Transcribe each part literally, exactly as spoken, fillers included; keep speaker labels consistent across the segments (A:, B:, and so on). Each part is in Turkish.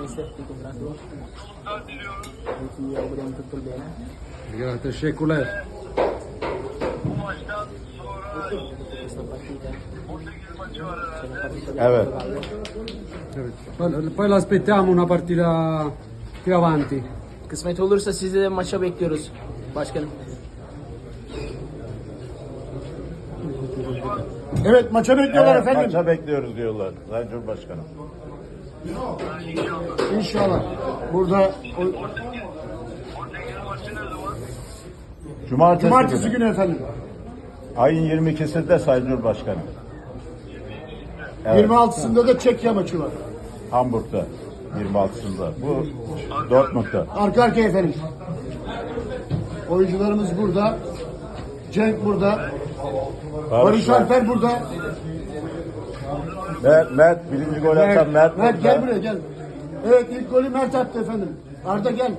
A: mister, ti congratulo. E ti auguriamo tutto il bene.
B: Grazie, teşekkürler.
A: Questa partita c'è una partita da
C: Evet.
B: Evet. Poi- Poi l'aspettiamo una partita più avanti.
A: Kısmet olursa sizi de maça bekliyoruz başkanım.
D: Evet maça bekliyorlar
C: Evet,
D: efendim.
C: maça bekliyoruz diyorlar Sayın Cumhurbaşkanım.
D: İnşallah. Burada o,
C: Cumartesi,
D: cumartesi
C: günü.
D: günü efendim.
C: Ayın yirmi ikisinde Sayın Cumhurbaşkanım. Evet,
D: yirmi altısında da Çekya maçı var.
C: Hamburg'da yirmi altısında. Bu Dortmund'da.
D: Arka arkaya efendim. Oyuncularımız burada. Cenk burada. Barış
C: var.
D: Alper burada.
C: Mert, Mert birinci gol atan Mert.
D: Mert gel
C: burada.
D: buraya gel. Evet ilk golü Mert attı efendim. Arda gel.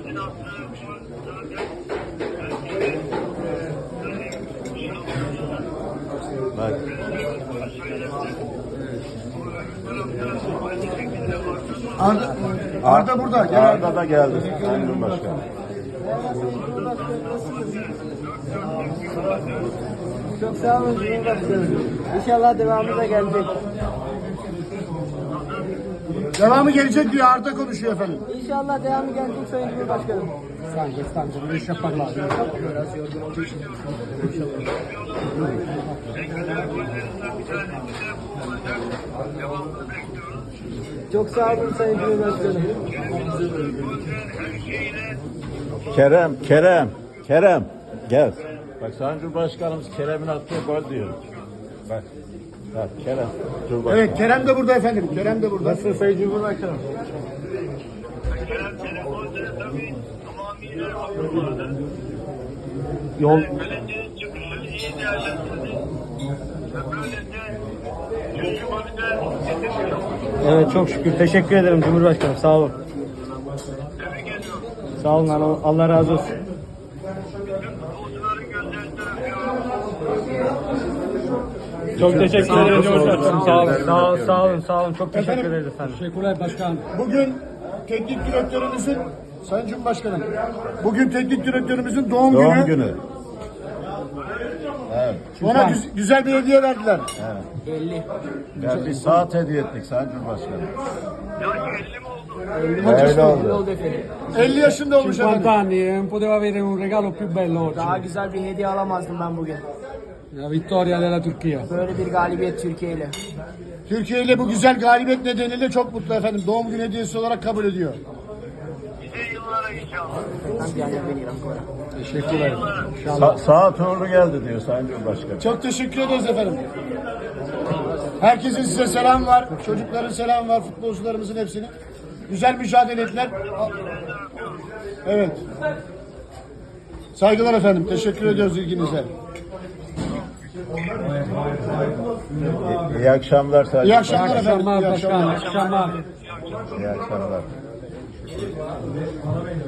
C: Mert.
D: Arda, Arda burada. Gel Arda.
C: Arda da geldi Sayın Cumhurbaşkanım.
A: Çok sağ olun Cumhurbaşkanım. İnşallah devamı da gelecek.
D: Devamı gelecek diye Arda konuşuyor efendim.
A: İnşallah devamı gelecek Sayın Cumhurbaşkanım.
B: Stanco, stanco, non riesce a parlare.
A: Biraz yorgun olduğu için. Çok sağ olun Sayın Cumhurbaşkanım.
C: Kerem, Kerem, Kerem. Gel. Bak Sayın Cumhurbaşkanımız Kerem'in attığı gol diyor. Bak. Bak Kerem. Cumhurbaşkanı.
D: Evet Kerem de burada efendim. Kerem de burada. Nasılsın Sayın Cumhurbaşkanım?
A: Yol
E: Evet çok şükür. Teşekkür ederim Cumhurbaşkanım. Sağ olun. Sağ olun. Allah, Allah razı olsun. Çok teşekkür ederim Cumhurbaşkanım. Sağ olun. Sağ olun. Sağ olun. Sağ olun. Çok teşekkür ederiz efendim.
B: Teşekkürler başkan.
D: Bugün teknik direktörümüzün Sayın Cumhurbaşkanım. Bugün teknik direktörümüzün doğum,
C: Doğum
D: günü.
C: günü. Evet.
D: Ona güz- güzel bir hediye verdiler.
A: elli.
C: Yani bir saat hediye ettik Sayın Cumhurbaşkanım.
D: Hadi
C: Öyle oldu.
A: Oldu efendim.
D: elli yaşında olmuş
B: cinquanta
D: efendim.
B: anni, non poteva avere un regalo più bello oggi.
A: Daha güzel bir hediye alamazdım ben bugün.
B: La vittoria della Turchia.
A: Böyle bir galibiyet Türkiye ile.
D: Türkiye ile bu güzel galibiyet nedeniyle çok mutlu efendim. Doğum günü hediyesi olarak kabul ediyor.
A: Tanti anni a venire ancora.
B: Teşekkürler.
C: Sa saat uğurlu geldi diyor Sayın Cumhurbaşkanım.
D: Çok teşekkür ederiz efendim. Herkesin size selam var. Çocukların selam var. Futbolcularımızın hepsini. Güzel mücadele ettiler. Evet. Saygılar efendim. Teşekkür ediyoruz ilginize.
C: İyi, iyi akşamlar Sayın
D: İyi
C: Cumhurbaşkanım.
D: akşamlar efendim.
B: Akşamlar
D: İyi
B: başkan.
D: akşamlar.
B: Akşamlar.
C: İyi akşamlar.